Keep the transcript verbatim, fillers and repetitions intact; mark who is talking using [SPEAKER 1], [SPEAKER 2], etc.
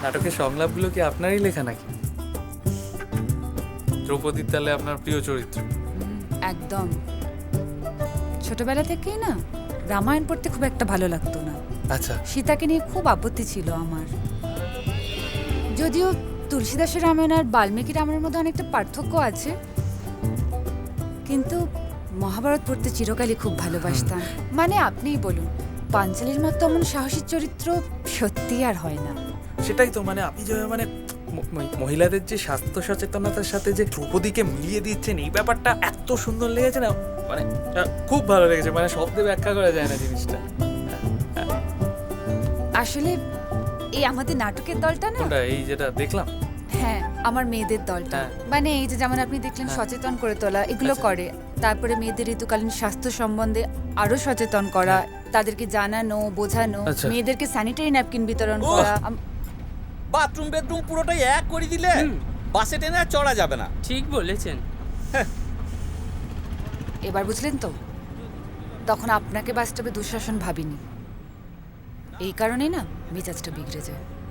[SPEAKER 1] নাটকের সংলাপগুলো কি আপনারই লেখা নাকি? দ্রৌপদীর তালে আপনার প্রিয় চরিত্র?
[SPEAKER 2] একদম। ছোটবেলা থেকেই না রামায়ণ পড়তে খুব একটা ভালো লাগতো না।
[SPEAKER 1] আচ্ছা।
[SPEAKER 2] সীতাকে নিয়ে খুব আপত্তি ছিল আমার। যদিও তুলসীদাসের রামায়ণ আর বাল্মীকি রামায়ণের মধ্যে অনেকটা পার্থক্য আছে, কিন্তু মহাভারত পড়তে চিরকালই খুব ভালোবাসতাম। মানে আপনিই বলুন, পাঞ্চালীর মতো এমন সাহসী চরিত্র সত্যি আর হয় না।
[SPEAKER 1] সেটাই তো, মানে আপনি যে মানে ম- ম- মহিলাদের যে স্বাস্থ্য সচেতনতার সাথে যে দ্রৌপদীকে মিলিয়ে দিচ্ছেন, এই ব্যাপারটা এত সুন্দর লেগেছে না, মানে আহ, খুব ভালো লেগেছে। মানে শব্দে ব্যাখ্যা করা যায় না জিনিসটা।
[SPEAKER 2] আসলে এই আমাদের নাটকের দলটা না,
[SPEAKER 1] কোনটা? এই যেটা দেখলাম?
[SPEAKER 2] হ্যাঁ আমার মেয়েদের দলটা।
[SPEAKER 1] হ্যাঁ।
[SPEAKER 2] মানে এই যে যেমন আপনি দেখলেন
[SPEAKER 1] হ্যাঁ।
[SPEAKER 2] সচেতন করে তোলা, এগুলো
[SPEAKER 1] আচ্ছা।
[SPEAKER 2] করে। তারপরে মেয়েদের ঋতুকালীন স্বাস্থ্য সম্বন্ধে আরো সচেতন করা, তাদেরকে জানানো, বোঝানো,
[SPEAKER 1] আচ্ছা।
[SPEAKER 2] মেয়েদেরকে স্যানিটারি ন্যাপকিন বিতরণ
[SPEAKER 3] ওহ!
[SPEAKER 2] করা। আম-
[SPEAKER 3] বাথরুম বেডরুম পুরোটাই এক করে দিলে বাসে টেনে আর চড়া যাবে না।
[SPEAKER 4] ঠিক বলেছেন।
[SPEAKER 2] এবার বুঝলেন তো, তখন আপনাকে বাস্তবে দুঃশাসন ভাবিনি, এই কারণেই না মেজাজটা বিগড়ে যায়।